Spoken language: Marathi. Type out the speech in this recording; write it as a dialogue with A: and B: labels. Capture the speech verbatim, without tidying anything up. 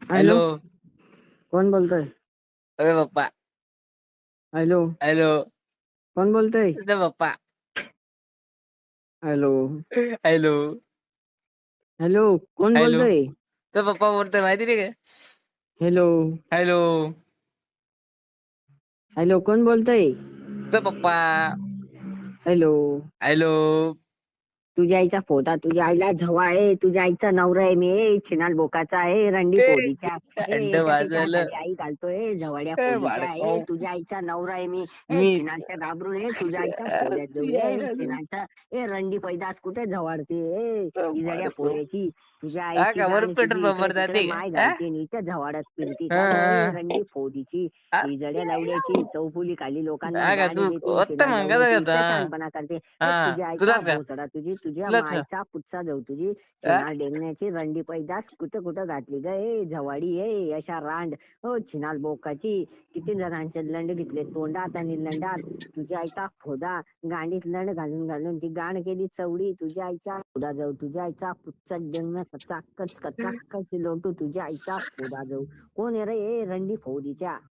A: Hello,
B: hello.
A: कोण बोलतोय?
B: अरे पप्पा.
A: Hello,
B: hello.
A: कोण बोलतोय?
B: तुझे पप्पा.
A: Hello,
B: hello.
A: हॅलो, कोण
B: हॅलो.
A: बोलतोय?
B: तुझा पप्पा बोलतोय माहिती नाही का?
A: Hello,
B: hello.
A: हॅलो, कोण बोलतोय?
B: तुझा पप्पा.
A: Hello,
B: hello.
A: तुझ्या आईचा फोटा, तुझ्या आईला झवा आहे, तुझ्या आईचा नवरा आहे मी, छिनाल बोकाचा आहे, रंडी
B: ए
A: फोडीच्या ए
B: अंड
A: याच्या त्याच्या
B: वाजवलं.
A: हाताखाली आई घालतोय, झवाड्या
B: ए
A: फोडीच्या
B: बाळकाऊ.
A: आहे, तुझ्या आईचा नवरा आहे मी, ए
B: मी
A: छिनालच्या घाबरून ए तुझ्या आईच्या फोड्यात जाऊ
B: तुझ्या
A: ए
B: आईला
A: छिनालच्या ए रंडी पैदास कुठे झवाडते ए इजड्या
B: बाळकाऊ.
A: फोड्याची, तुझ्या
B: हा
A: आईची
B: का
A: गाण
B: वरून पेट्रोल
A: तुझी इकडे
B: पंपावर
A: तिकडे
B: जाते
A: माय
B: का?
A: घालते नीच्या झवाड्यात फिरती
B: हा
A: का ग ए
B: हा
A: रंडी फोडीची,
B: हा.
A: इजड्या लवड्याची, चौफुली खाली लोकांना
B: हा का
A: गाडी
B: तू
A: देते,
B: उत्तम
A: छिनाल
B: मंगाचा
A: लवड्याची
B: होता.
A: इतकं शहाणपणा करते ए
B: हा
A: तुझ्या आईचा
B: तुलाच का
A: भोसडा तुझी, तुझ्या
B: तुलाच का
A: मायचा कुच्चा जाऊ तुझी,
B: हा?
A: छिनाल डेंगण्याची रंडी पैदास कुठं कुठं घातली ग ए झवाडी ए अशा रांड हो छिनाल बोकाची, किती जणांचे लंड घेतले तोंडात आणि लंडात, तुझ्या आईचा खोदा गांडीत लंड घालून घालून ती गाण केली चवडी, तुझ्या आईचा खोदा जाऊ, तुझ्या आईचा कुच्चा डेंगण कचाकच कचाकच लोटू, तुझ्या आईचा खोदा जाऊ, कोण आहे रे ए रंडी फौडीच्या.